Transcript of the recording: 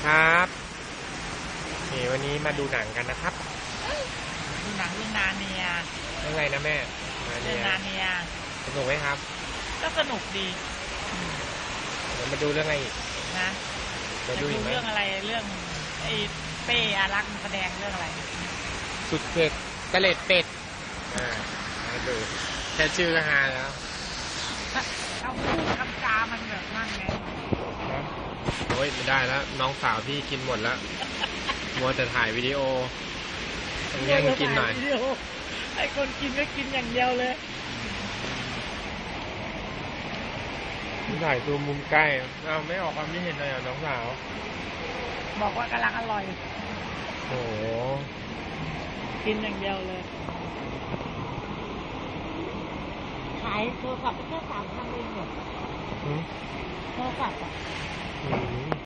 ครับนี่วันนี้มาดูหนังกันนะครับดูหนังเรื่องนาเนียเรื่องอะไรนะแม่เรื่องนาเนียสนุกไหมครับก็สนุกดีเดี๋ยวมาดูเรื่องอะไรอีกนะจะดูเรื่องอะไรเรื่องไอ้เป้อารักษ์แสดงเรื่องอะไรสุดเผ็ดกระเล็ดเป็ดมาดูแค่ชื่อก็ฮาแล้วเอาพูดคำจามันแบบนั่นไงโอ้ยไม่ได้แล้วน้องสาวพี่กินหมดแล้วมัวแต่ถ่ายวิดีโอต้องแย่งกินหน่อยไอ้คนกินก็กินอย่างเดียวเลยถ่ายตัวมุมใกล้เราไม่ออกความคิดเห็นเลยน้องสาวบอกว่ากำลังอร่อยโอ้กินอย่างเดียวเลยขายโทรศัพท์ไปแค่3,000เองเหรอโทรศัพท์อ่ะ